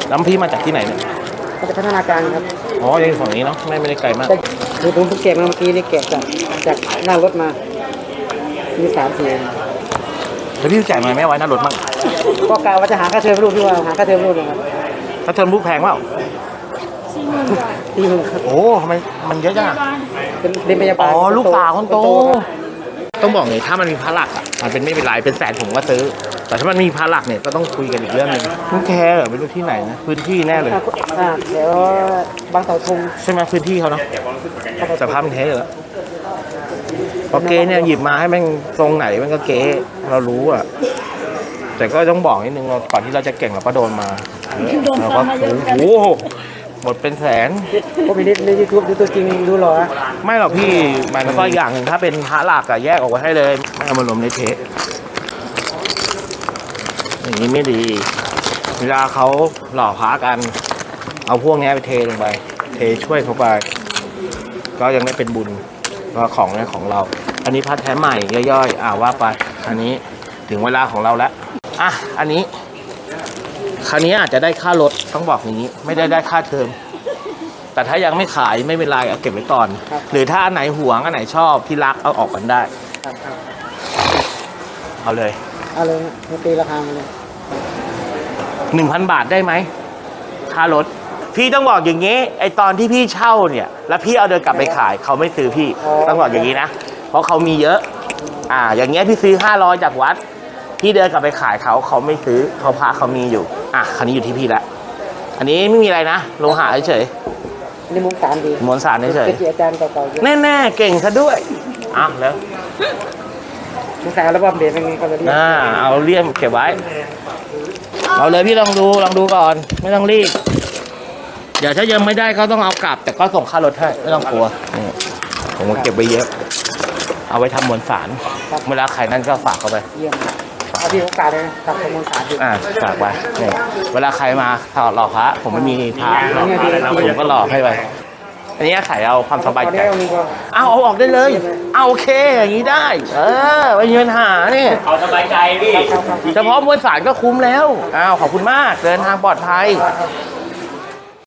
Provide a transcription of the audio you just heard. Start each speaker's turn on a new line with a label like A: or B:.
A: น้ำพี่มาจากที่ไหนเนี่ย
B: มาจากพัฒนาการครับ
A: อ๋อยังอยู่ฝั่งนี้เนาะไม่ได้ไกลมาก
B: คือผมเพิ่งแกะมาเมื่อกี้นี่แกะจากหน้ารถมามี3-4
A: แล้วพี่จ่ายมาไหมไว้หน้ารถมั่ง
B: ก็กะว่าจะหาค่าเทอมลูกที่ว่าหาค่าเทอมลูกนะครับ
A: ค่าเทอมลูกแพงเปล่า
B: 40,000ครับ
A: โอ้ทำไมมันเยอะจัง
B: เป็นเรียนพยาบาล
A: อ๋อลูกสาวคนโตต้องบอกเลยถ้ามันมีพระหลักอ่ะมันเป็นไม่เป็นไรเป็นแสนผมก็ซื้อแต่ถ้ามันมีพระหลักเนี่ยก็ต้องคุยกันอีกเรื่องนึงลูกแคร์ไม่รู้ที่ไหนนะพื้นที่แน่เลย
B: เดี๋ยวบางเสาธง
A: ใช่ไหมพื้นที่เขาเนาะสภาพมันแท้อยู่แล้วพอเก๊เนี่ยหยิบมาให้มันทรงไหนมันก็เก๊เรารู้อ่ะแต่ก็ต้องบอกนิดนึงเราก่อนที่เราจะเก่งเราก็โดนมาเราก็โอ้โหหมดเป็นแสน
B: ก็มีในยูทูบดูตัวจริงดูหรอ
A: ไม่หรอกพี่มันก็อย่างหนึ่งถ้าเป็นพระหลักอะแยกออกไว้ให้เลยไม่เอามารวมในเทปอย่างนี้ไม่ดีเวลาเขาหล่อพระกันเอาพวกนี้ไปเทลงไปเทช่วยเขาไปก็ยังได้เป็นบุญว่าของนี้ของเราอันนี้พระแท้ใหม่ย่อยๆว่าไปอันนี้ถึงเวลาของเราแล้วอันนี้คราวนี้อาจจะได้ค่ารถต้องบอกอย่างนี้ไม่ได้ค่าเทอมแต่ถ้ายังไม่ขายไม่เป็นไรเอาเก็บไว้ก่อนหรือถ้าอันไหนหวงอันไหนชอบที่รักเอาออกกันได้เอาเลย
B: ตีราคามาเลย
A: 1,000 บาทได้ไหมค่ารถพี่ต้องบอกอย่างนี้ไอตอนที่พี่เช่าเนี่ยแล้วพี่เอาเดินกลับไปขายเขาไม่ซื้อพี่ต้องบอกอย่างนี้นะเพราะเขามีเยอะอย่างเงี้ยพี่ซื้อ500จากวัดพี่เดินกลับไปขายเขาไม่ซื้อเขาพระเขามีอยู่คันนี้อยู่ที่พี่ละอันนี้ไม่มีอะไรนะลงหาเฉย
B: นี่ม้วนสารดี
A: ม้วนสารเฉย
B: อาจารย์เก่า
A: ๆแน่ๆเก่งซะด้วยแล้ว
B: ม้วนสารแล้วบอมเบรเป็นไงก็เลย
A: เอาเลี่ยมเก็บไว้เอาเลยพี่ลองดูก่อนไม่ต้องรีบเดี๋ยวถ้ายังไม่ได้ก็ต้องเอากลับแต่ก็ส่งค่ารถให้ไม่ต้องกลัวผมเก็บไว้เยอะเอาไว้ทำมวลสารเวลาใครนั่นก็ฝากเขาไป
B: เอาที่โอกาสเลยทำมวลสาร
A: ฝากไปเวลาใครมาหล่อพระผมไม่มีพระผมก็หล่อให้ไปอันนี้ขายเอาความสบายใจเอาออกได้เลยโอเคอย่างนี้ได้ไม่มีปัญหานี่
C: เอาสบายใจพี่
A: เฉพาะมวลสารก็คุ้มแล้วขอบคุณมากเดินทางปลอดภัย